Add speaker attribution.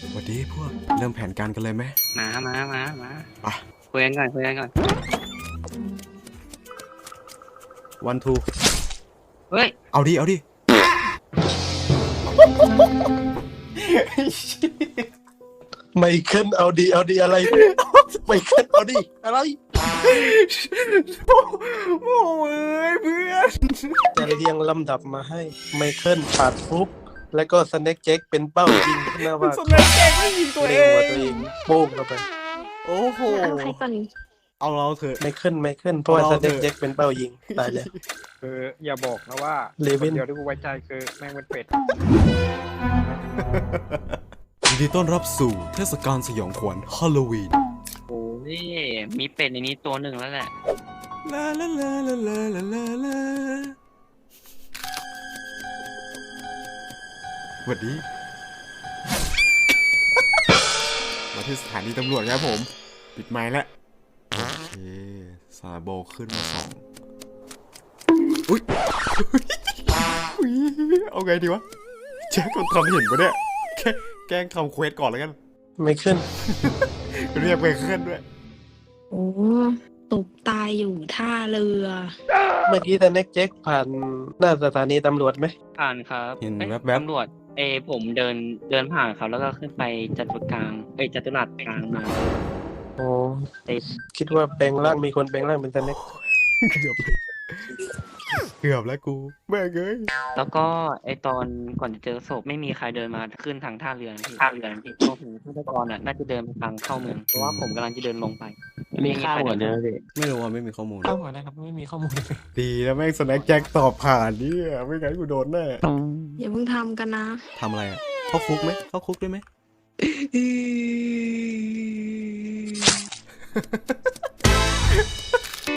Speaker 1: สวัสดีพวกเริ่มแผนการกันเลยไหม
Speaker 2: มา
Speaker 1: ไป
Speaker 2: คุยกันก่อน
Speaker 1: วันทู
Speaker 2: เฮ้ย
Speaker 1: เอาดิ
Speaker 3: ไม่ขึ้นเอาดีอะไรไม่ขึ้นเอาดีอะไร
Speaker 1: โอ้ยเพื่อน
Speaker 3: จะเรียงลำดับมาให้ไม่ขึ้นปาดฟุบแล้วก็สแน็คแจ็คเป็นเป้ายิงหน้าว่า
Speaker 1: สมัยแกก็ยิงตัวเอ
Speaker 3: เล็งหัว
Speaker 1: ง
Speaker 3: ตัวเองโป้งเข้าไป
Speaker 1: โอ้โห
Speaker 4: เอาใครก่อน
Speaker 1: เอาเราเถอะ
Speaker 3: ไม่ขึ้นเพราะว่าสแน็คแจ็คเป็นเป้ายิงตายเลย
Speaker 5: อย่าบอกนะว่า
Speaker 3: เลวิน
Speaker 5: คนเดียวที่กูไว้ใจคือแม่งเป็นเป็ด
Speaker 1: ยินดีต้อนรับสู่เทศกาลสยองขวัญฮาโลวีน
Speaker 2: โอ้ยมีเป็ดในนี้ตัวหนึ่งแล้วแหละ
Speaker 1: ลาลาลาลาลาลาลาลาสวัสดี มาที่สถานีตำรวจครับผม ปิดไมค์แล้ว โอเคซาโบขึ้นมาสองอุ๊ย เอาไงดีวะแจ็คคนทำเห็นปะเนี่ยแกล้งทำเควสก่อนแล้วกัน
Speaker 3: ไม่ขึ้น
Speaker 1: เรียกไปขึ้นด้วย
Speaker 4: โอ้ตกตายอยู่ท่าเรือ
Speaker 3: เมื่อกี้สแน็คแจ็คผ่านหน้าสถานีตำรวจไหม
Speaker 2: ผ่านครับ
Speaker 1: เห็น
Speaker 2: อ้ย
Speaker 1: แวบๆ
Speaker 2: ตำรวจผมเดินผ่านเขาแล้วก็ขึ้นไปจัตุกลางจัตุรัสกลางมา
Speaker 3: โอ้
Speaker 2: เอ้ย
Speaker 3: คิดว่าแปลงร่างมีคนแปลงร่างเป็นสแน็ค
Speaker 1: เกือบเลยเกือบแล้วกูแม่งเอ้ย
Speaker 2: แล้วก็ตอนก่อนจะเจอศพไม่มีใครเดินมาขึ้นทางท่าเรือพี่พวกผมฆาตกรน่ะน่าจะเดินไปทางเข้าเมืองเพราะว่าผมกำลังจะเดินลงไป
Speaker 6: มีข้าวเหมือนเดิมพี่
Speaker 1: ไม่รู้ว่าไม่มีข้อมูล
Speaker 6: ข้าวเหมือนนะครับไม่มีข้อมูลเลย
Speaker 1: ดีแล้วแม่งสแน็คแจ็คตอบผ่านเนี่ยไม่งั้นกูโดนแน่
Speaker 4: อย่าเพิ่งทำกันนะ
Speaker 1: ทำอะไรอ่ะเข้าคุกไหมเข้าคุกได้ไหม